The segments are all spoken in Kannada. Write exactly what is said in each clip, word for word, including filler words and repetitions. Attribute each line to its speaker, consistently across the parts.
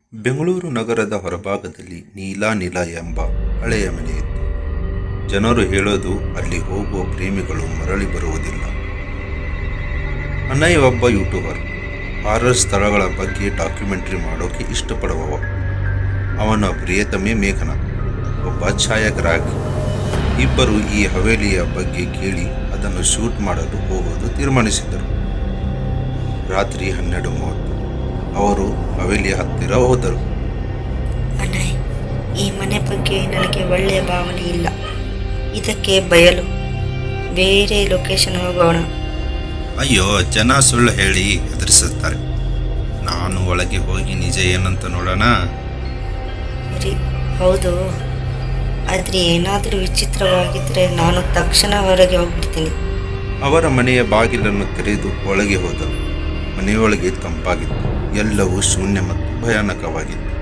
Speaker 1: ಬೆಂಗಳೂರು ನಗರದ ಹೊರಭಾಗದಲ್ಲಿ ನೀಲಾ ನಿಲ ಎಂಬ ಹಳೆಯ ಮನೆಯಿತ್ತು. ಜನರು ಹೇಳೋದು ಅಲ್ಲಿ ಹೋಗುವ ಪ್ರೇಮಿಗಳು ಮರಳಿ ಬರುವುದಿಲ್ಲ. ಅನಯ್ ಒಬ್ಬ ಯೂಟ್ಯೂಬರ್, ಹಾರರ್ ಸ್ಥಳಗಳ ಬಗ್ಗೆ ಡಾಕ್ಯುಮೆಂಟ್ರಿ ಮಾಡೋಕೆ ಇಷ್ಟಪಡುವವ. ಅವನ ಪ್ರಿಯತಮೆ ಮೇಘನಾ ಒಬ್ಬ ಛಾಯಾಗ್ರಾಹಕಿ. ಇಬ್ಬರು ಈ ಹವೇಲಿಯ ಬಗ್ಗೆ ಕೇಳಿ ಅದನ್ನು ಶೂಟ್ ಮಾಡಲು ಹೋಗೋದು ತೀರ್ಮಾನಿಸಿದರು. ರಾತ್ರಿ ಹನ್ನೆರಡು ಮೂವತ್ತು ಅವರು ಹವೇಲಿಯ ಹತ್ತಿರ ಹೋದರು.
Speaker 2: ಅನಯ್, ಈ ಮನೆ ಬಗ್ಗೆ ನನಗೆ ಒಳ್ಳೆಯ ಭಾವನೆ ಇಲ್ಲ. ಇದಕ್ಕೆ ಬಯಲು ಬೇರೆ ಲೊಕೇಶನ್ ಹೋಗೋಣ.
Speaker 1: ಅಯ್ಯೋ, ಜನ ಸುಳ್ಳು ಹೇಳಿ ಹೆದರಿಸುತ್ತಾರೆ. ನಾನು ಒಳಗೆ ಹೋಗಿ ನಿಜ ಏನಂತ ನೋಡೋಣ.
Speaker 2: ಸರಿ, ಹೌದು, ಆದರೆ ಏನಾದರೂ ವಿಚಿತ್ರವಾಗಿದ್ದರೆ ನಾನು ತಕ್ಷಣ ಹೊರಗೆ ಹೋಗ್ಬಿಡ್ತೀನಿ.
Speaker 1: ಅವರ ಮನೆಯ ಬಾಗಿಲನ್ನು ತೆರೆದು ಒಳಗೆ ಹೋದರು. ಮನೆಯೊಳಗೆ ತಂಪಾಗಿತ್ತು. ಎಲ್ಲವೂ ಶೂನ್ಯ ಮತ್ತು ಭಯಾನಕವಾಗಿತ್ತು.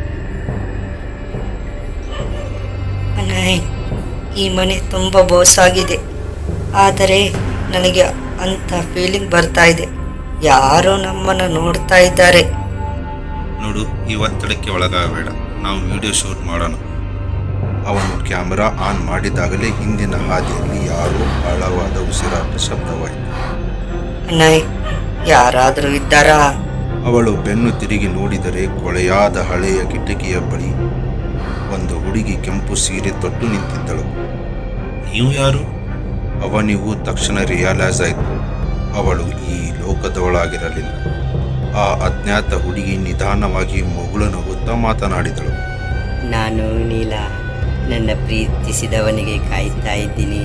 Speaker 2: ಅನಯ್, ಈ ಮನೆ ತುಂಬ ಬೋಸಾಗಿದೆ, ಆದರೆ ನನಗೆ ಅಂಥ ಫೀಲಿಂಗ್ ಬರ್ತಾ ಇದೆ. ಯಾರೋ ನಮ್ಮನ್ನು ನೋಡ್ತಾ ಇದ್ದಾರೆ.
Speaker 1: ನೋಡು, ಈ ಒತ್ತಡಕ್ಕೆ ಒಳಗಾಗಬೇಡ. ನಾವು ವಿಡಿಯೋ ಶೂಟ್ ಮಾಡೋಣ. ಅವನು ಕ್ಯಾಮೆರಾ ಆನ್ ಮಾಡಿದಾಗಲೇ ಹಿಂದಿನ ಹಾದಿಯಲ್ಲಿ ಯಾರೋ ಆಳವಾದ ಉಸಿರಾಟ ಶಬ್ದವಾಯಿತು.
Speaker 2: ಅನಯ್, ಯಾರಾದರೂ ಇದ್ದಾರಾ?
Speaker 1: ಅವಳು ಬೆನ್ನು ತಿರುಗಿ ನೋಡಿದರೆ ಕೊಳೆಯಾದ ಹಳೆಯ ಕಿಟಕಿಯ ಬಳಿ ಒಂದು ಹುಡುಗಿ ಕೆಂಪು ಸೀರೆ ತೊಟ್ಟು ನಿಂತಿದ್ದಳು. ನೀವು ಯಾರು? ಅವನಿಗೂ ತಕ್ಷಣ ರಿಯಲೈಸ್ ಆಯಿತು, ಅವಳು ಈ ಲೋಕದವಳಾಗಿರಲಿಲ್ಲ. ಆ ಅಜ್ಞಾತ ಹುಡುಗಿ ನಿಧಾನವಾಗಿ ಮುಗುಳು ನಗುತ್ತಾ ಮಾತನಾಡಿದಳು.
Speaker 3: ನಾನು ನೀಲ, ನನ್ನ ಪ್ರೀತಿಸಿದವನಿಗೆ ಕಾಯ್ತಾ ಇದ್ದೀನಿ.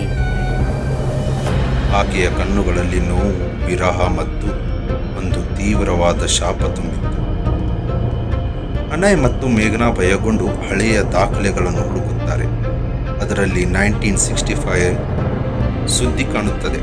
Speaker 1: ಆಕೆಯ ಕಣ್ಣುಗಳಲ್ಲಿ ನೋವು, ವಿರಹ ಮತ್ತು ಒಂದು ತೀವ್ರವಾದ ಶಾಪ ತುಂಬಿತ್ತು. ಅನಯ್ ಮತ್ತು ಮೇಘನಾ ಭಯಗೊಂಡು ಹಳೆಯ ದಾಖಲೆಗಳನ್ನು ಹುಡುಕುತ್ತಾರೆ. ಅದರಲ್ಲಿ ನೈನ್ಟೀನ್ ಸಿಕ್ಸ್ಟಿ ಫೈವ್ ಸುದ್ದಿ ಕಾಣುತ್ತದೆ.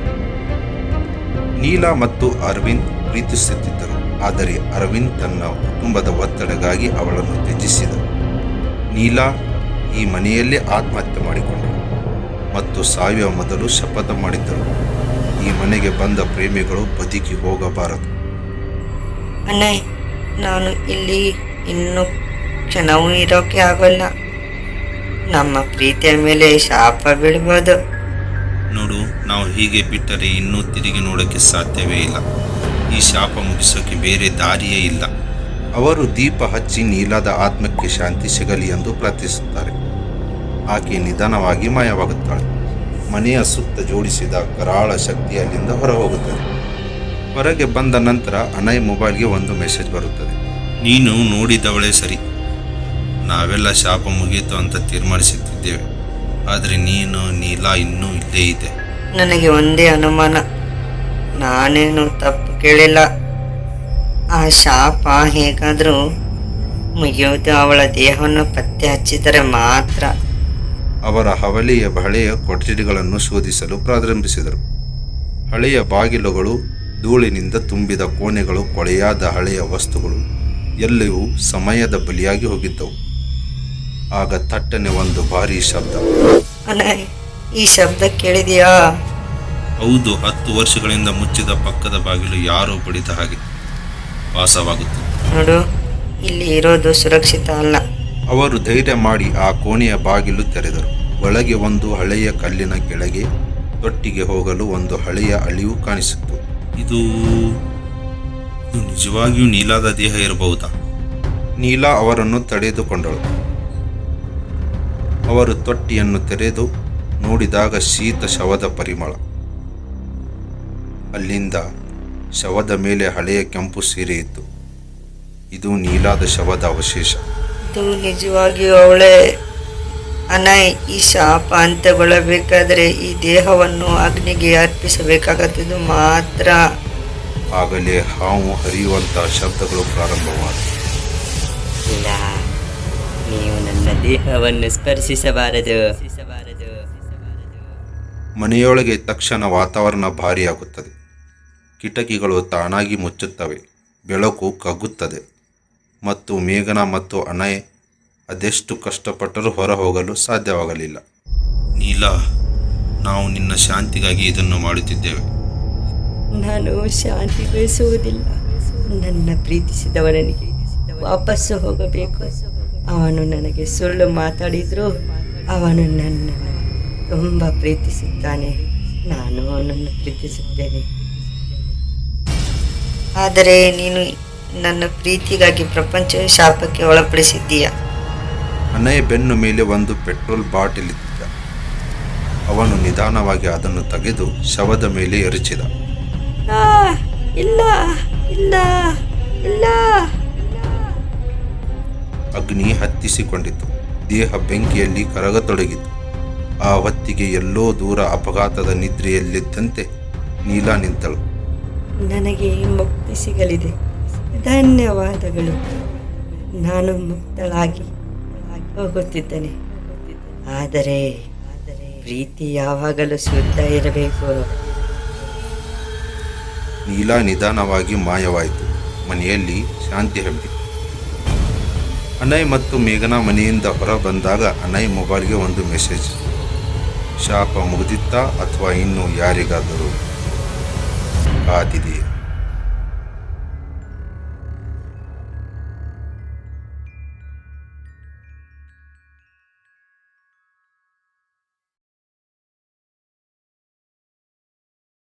Speaker 1: ನೀಲಾ ಮತ್ತು ಅರವಿಂದ್ ಪ್ರೀತಿಸುತ್ತಿದ್ದರು, ಆದರೆ ಅರವಿಂದ್ ತನ್ನ ಕುಟುಂಬದ ಒತ್ತಡಗಾಗಿ ಅವಳನ್ನು ತ್ಯಜಿಸಿದ. ನೀಲಾ ಈ ಮನೆಯಲ್ಲೇ ಆತ್ಮಹತ್ಯೆ ಮಾಡಿಕೊಂಡಳು ಮತ್ತು ಸಾಯುವ ಮೊದಲು ಶಪಥ ಮಾಡಿದ್ದಳು, ಈ ಮನೆಗೆ ಬಂದ ಪ್ರೇಮಿಗಳು ಬದುಕಿ ಹೋಗಬಾರದು.
Speaker 2: ಅನಯ್, ನಾನು ಇಲ್ಲಿ ಇನ್ನೂ ಕ್ಷಣವೂ ಇರೋಕೆ ಆಗೋಲ್ಲ. ನಮ್ಮ ಪ್ರೀತಿಯ ಮೇಲೆ ಶಾಪ ಬೀಳ್ಬೋದು.
Speaker 1: ನೋಡು, ನಾವು ಹೀಗೆ ಬಿಟ್ಟರೆ ಇನ್ನೂ ತಿರುಗಿ ನೋಡೋಕ್ಕೆ ಸಾಧ್ಯವೇ ಇಲ್ಲ. ಈ ಶಾಪ ಮುಗಿಸೋಕೆ ಬೇರೆ ದಾರಿಯೇ ಇಲ್ಲ. ಅವರು ದೀಪ ಹಚ್ಚಿ ನೀಲಾದ ಆತ್ಮಕ್ಕೆ ಶಾಂತಿ ಸಿಗಲಿ ಎಂದು ಪ್ರಾರ್ಥಿಸುತ್ತಾರೆ. ಆಕೆ ನಿಧಾನವಾಗಿ ಮಾಯವಾಗುತ್ತಾಳೆ. ಮನೆಯ ಸುತ್ತ ಜೋಡಿಸಿದ ಕರಾಳ ಶಕ್ತಿ ಅಲ್ಲಿಂದ ಹೊರಹೋಗುತ್ತದೆ. ಹೊರಗೆ ಬಂದ ನಂತರ ಅನಯ್ ಮೊಬೈಲ್ಗೆ ಒಂದು ಮೆಸೇಜ್ ಬರುತ್ತದೆ. ನೀನು ನೋಡಿದವಳೇ ಸರಿ. ನಾವೆಲ್ಲ ಶಾಪ ಮುಗಿಯಿತು ಅಂತ ತೀರ್ಮಾನಿಸುತ್ತಿದ್ದೇವೆ, ಆದರೆ ನೀನು ನೀಲಾ ಇನ್ನೂ ಇಲ್ಲೇ ಇದೆ.
Speaker 2: ನನಗೆ ಒಂದೇ ಅನುಮಾನ, ನಾನೇನು ತಪ್ಪು ಕೇಳಿಲ್ಲ. ಆ ಶಾಪ ಹೇಗಾದರೂ ಮುಗಿಯೋದು ಅವಳ ದೇಹವನ್ನು ಪತ್ತೆ ಹಚ್ಚಿದರೆ ಮಾತ್ರ.
Speaker 1: ಅವರ ಹವಲಿಯ ಹಳೆಯ ಕೊಠಡಿಗಳನ್ನು ಶೋಧಿಸಲು ಪ್ರಾರಂಭಿಸಿದರು. ಹಳೆಯ ಬಾಗಿಲುಗಳು, ಧೂಳಿನಿಂದ ತುಂಬಿದ ಕೋಣೆಗಳು, ಕೊಳೆಯಾದ ಹಳೆಯ ವಸ್ತುಗಳು ಎಲ್ಲವೂ ಸಮಯದ ಬಲಿಯಾಗಿ ಹೋಗಿದ್ದವು. ಆಗ ತಟ್ಟನೆ ಒಂದು ಭಾರೀ ಶಬ್ದ.
Speaker 2: ಅನಯ್, ಈ ಶಬ್ದ ಕೇಳಿದೆಯಾ?
Speaker 1: ಹೌದು, ಹತ್ತು ವರ್ಷಗಳಿಂದ ಮುಚ್ಚಿದ ಪಕ್ಕದ ಬಾಗಿಲು ಯಾರೋ ಬಡಿದ ಹಾಗೆ ವಾಸವಾಗುತ್ತದೆ.
Speaker 2: ನೋಡು, ಇಲ್ಲಿ ಇರೋದು ಸುರಕ್ಷಿತ ಅಲ್ಲ.
Speaker 1: ಅವರು ಧೈರ್ಯ ಮಾಡಿ ಆ ಕೋಣೆಯ ಬಾಗಿಲು ತೆರೆದರು. ಒಳಗೆ ಒಂದು ಹಳೆಯ ಕಲ್ಲಿನ ಕೆಳಗೆ ತೊಟ್ಟಿಗೆ ಹೋಗಲು ಒಂದು ಹಳೆಯ ಅಳಿವು ಕಾಣಿಸಿತ್ತು. ಇದು ಇದು ನಿಜವಾಗಿಯೂ ನೀಲಾದ ದೇಹ ಇರಬಹುದಾ? ನೀಲಾ ಅವರನ್ನು ತಡೆದುಕೊಂಡಳು. ಅವರು ತೊಟ್ಟಿಯನ್ನು ತೆರೆದು ನೋಡಿದಾಗ ಶೀತ ಶವದ ಪರಿಮಳ. ಅಲ್ಲಿಂದ ಶವದ ಮೇಲೆ ಹಳೆಯ ಕೆಂಪು ಸೀರೆ ಇತ್ತು. ಇದು ನೀಲಾದ ಶವದ ಅವಶೇಷ.
Speaker 2: ಇದು ನಿಜವಾಗಿಯೂ ಅವಳೇ. ಅನಯ್, ಈ ಶಾಪ ಅಂತ್ಯಗೊಳ್ಳಬೇಕಾದರೆ ಈ ದೇಹವನ್ನು ಅಗ್ನಿಗೆ ಅರ್ಪಿಸಬೇಕಾಗತ್ತಿದ್ದು ಮಾತ್ರ.
Speaker 1: ಆಗಲೇ ಹಾವು ಹರಿಯುವಂತಹ ಶಬ್ದಗಳು ಪ್ರಾರಂಭವಾದವು.
Speaker 3: ಇಲ್ಲ, ನೀವು ನನ್ನ ದೇಹವನ್ನು ಸ್ಪರ್ಶಿಸಬಾರದು.
Speaker 1: ಮನೆಯೊಳಗೆ ತಕ್ಷಣ ವಾತಾವರಣ ಭಾರಿಯಾಗುತ್ತದೆ. ಕಿಟಕಿಗಳು ತಾನಾಗಿ ಮುಚ್ಚುತ್ತವೆ. ಬೆಳಕು ಕಗ್ಗುತ್ತದೆ ಮತ್ತು ಮೇಘನಾ ಮತ್ತು ಅನಯ್ ಅದೆಷ್ಟು ಕಷ್ಟಪಟ್ಟರೂ ಹೊರ ಹೋಗಲು ಸಾಧ್ಯವಾಗಲಿಲ್ಲ. ನೀಲಾ, ನಾವು ನಿನ್ನ ಶಾಂತಿಗಾಗಿ ಇದನ್ನು ಮಾಡುತ್ತಿದ್ದೇವೆ.
Speaker 3: ನಾನು ಶಾಂತಿ ಬಯಸುವುದಿಲ್ಲ. ನನ್ನ ಪ್ರೀತಿಸಿದವನಿಗೆ ವಾಪಸ್ಸು ಹೋಗಬೇಕು. ಅವನು ನನಗೆ ಸುಳ್ಳು ಮಾತಾಡಿದ್ರು ಅವನು ನನ್ನನ್ನು ತುಂಬ ಪ್ರೀತಿಸುತ್ತಾನೆ. ನಾನು ಅವನನ್ನು ಪ್ರೀತಿಸುತ್ತೇನೆ.
Speaker 2: ಆದರೆ ನೀನು ನನ್ನ ಪ್ರೀತಿಗಾಗಿ ಪ್ರಪಂಚವೇ ಶಾಪಕ್ಕೆ ಒಳಪಡಿಸಿದ್ದೀಯ.
Speaker 1: ಅನಯ್ ಬೆನ್ನು ಮೇಲೆ ಒಂದು ಪೆಟ್ರೋಲ್ ಬಾಟಲ್ ಇದ್ದ. ಅವನು ನಿಧಾನವಾಗಿ ಅದನ್ನು ತೆಗೆದು ಶವದ ಮೇಲೆ ಎರಚಿದ.
Speaker 3: ಆ, ಇಲ್ಲ ಇಲ್ಲ ಇಲ್ಲ.
Speaker 1: ಅಗ್ನಿ ಹತ್ತಿಸಿಕೊಂಡಿತು. ದೇಹ ಬೆಂಕಿಯಲ್ಲಿ ಕರಗತೊಡಗಿತು. ಆ ಹೊತ್ತಿಗೆ ಎಲ್ಲೋ ದೂರ ಅಪಘಾತದ ನಿದ್ರೆಯಲ್ಲಿದ್ದಂತೆ ನೀಲಾ ನಿಂತಳು.
Speaker 3: ನನಗೆ ಮುಕ್ತಿ ಸಿಗಲಿದೆ. ಧನ್ಯವಾದಗಳು. ನಾನು ಮುಕ್ತಳಾಗಿ ಹೋಗುತ್ತಿದ್ದೇನೆ. ಆದರೆ ಪ್ರೀತಿ ಯಾವಾಗಲೂ ಶುದ್ಧ ಇರಬೇಕು.
Speaker 1: ನೀಲಾ ನಿಧಾನವಾಗಿ ಮಾಯವಾಯಿತು. ಮನೆಯಲ್ಲಿ ಶಾಂತಿ ಹಬ್ಬಿತು. ಅನಯ್ ಮತ್ತು ಮೇಘನಾ ಮನೆಯಿಂದ ಹೊರ ಬಂದಾಗ ಅನಯ್ ಮೊಬೈಲ್ಗೆ ಒಂದು ಮೆಸೇಜ್. ಶಾಪ ಮುಗಿದಿತ್ತಾ ಅಥವಾ ಇನ್ನೂ ಯಾರಿಗಾದರೂ ಕಾದಿದೆಯಾ?